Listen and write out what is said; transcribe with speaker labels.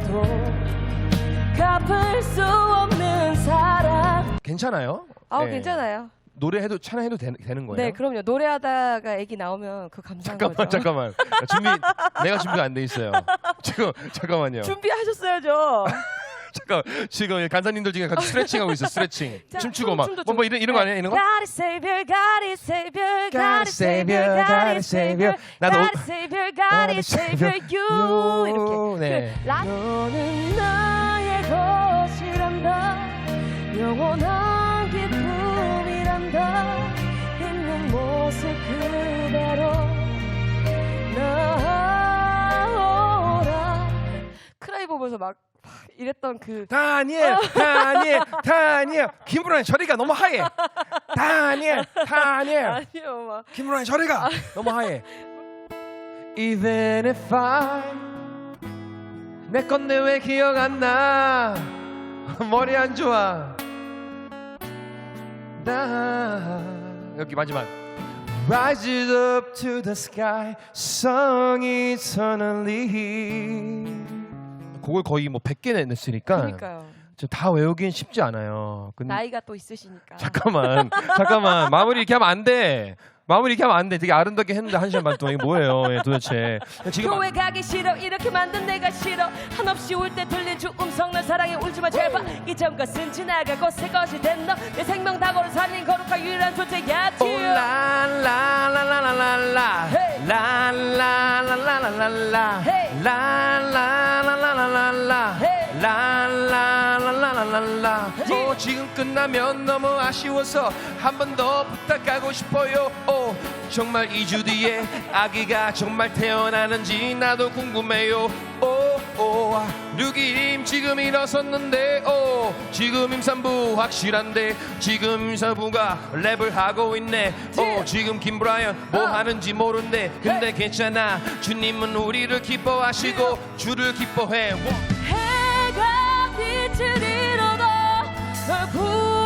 Speaker 1: 갚아도 갚을 수 없는 사랑.
Speaker 2: 괜찮아요?
Speaker 1: 아
Speaker 2: 네.
Speaker 1: 괜찮아요.
Speaker 2: 노래해도 찬양해도 되는 거예요?
Speaker 1: 네, 그럼요. 노래하다가 애기 나오면 그 감사한 거죠.
Speaker 2: 잠깐만. 내가 준비가 안 돼 있어요. 지금 잠깐만요.
Speaker 1: 준비하셨어야죠.
Speaker 2: 잠깐 지금 간사님들 중에 같이 스트레칭 하고 있어. 스트레칭.
Speaker 1: 자,
Speaker 2: 춤추고 막
Speaker 1: 춤도
Speaker 2: 뭐 이런 거 아니야? 이런 거?
Speaker 1: God is Savior, God is Savior,
Speaker 2: God
Speaker 1: God
Speaker 2: is
Speaker 1: is Savior,
Speaker 2: Savior,
Speaker 1: God
Speaker 2: God
Speaker 1: is
Speaker 2: is
Speaker 1: Savior,
Speaker 2: Savior. 나도
Speaker 1: God is Savior, God is Savior, you 이렇게.
Speaker 2: 네.
Speaker 1: 너는 나의 것이란다, 영원한 기쁨이란다, 있는 모습 그대로 나오라. 크라이 보면서 막 이랬던 그
Speaker 2: 다니엘. 김브라인 저리가 너무 하얘. 다니엘.
Speaker 1: 아니요 막
Speaker 2: 김브라인 저리가 너무 하얘. Even if 내 건데 왜 기억 안 나? 머리 안 좋아. 나 여기 마지막. Rises up to the sky, sung eternally. 그걸 거의 뭐 100개 냈으니까
Speaker 1: 그러니까요.
Speaker 2: 저 다 외우긴 쉽지 않아요.
Speaker 1: 나이가 또 있으시니까.
Speaker 2: 잠깐만 마무리 이렇게 하면 안 돼. 되게 아름답게 했는데 1시간 반 동안 이게 뭐예요? 예, 도대체 지금
Speaker 1: 교회 가기 싫어, 이렇게 만든 내가 싫어, 한없이 울 때 들린 주 음성, 널 사랑해 울지마 제발. 이전 것은 지나가고 새 것이 된 너, 내 생명 다고를 살린 거룩한 유일한 존재야.
Speaker 2: 라라라라라라
Speaker 1: Hey.
Speaker 2: 라라라라라라
Speaker 1: Hey.
Speaker 2: 라라라라라라
Speaker 1: Hey.
Speaker 2: 라라라라라라. 지금 끝나면 너무 아쉬워서 한 번 더 부탁하고 싶어요. 정말 2주 뒤에 아기가 정말 태어나는지 나도 궁금해요. 누기임 지금 일어섰는데 지금 임산부 확실한데 지금 임산부가 랩을 하고 있네. 지금 김브라이언 뭐 하는지 모른대. 근데 괜찮아, 주님은 우리를 기뻐하시고 주를 기뻐해.
Speaker 1: 해가 빛을 잃어도 널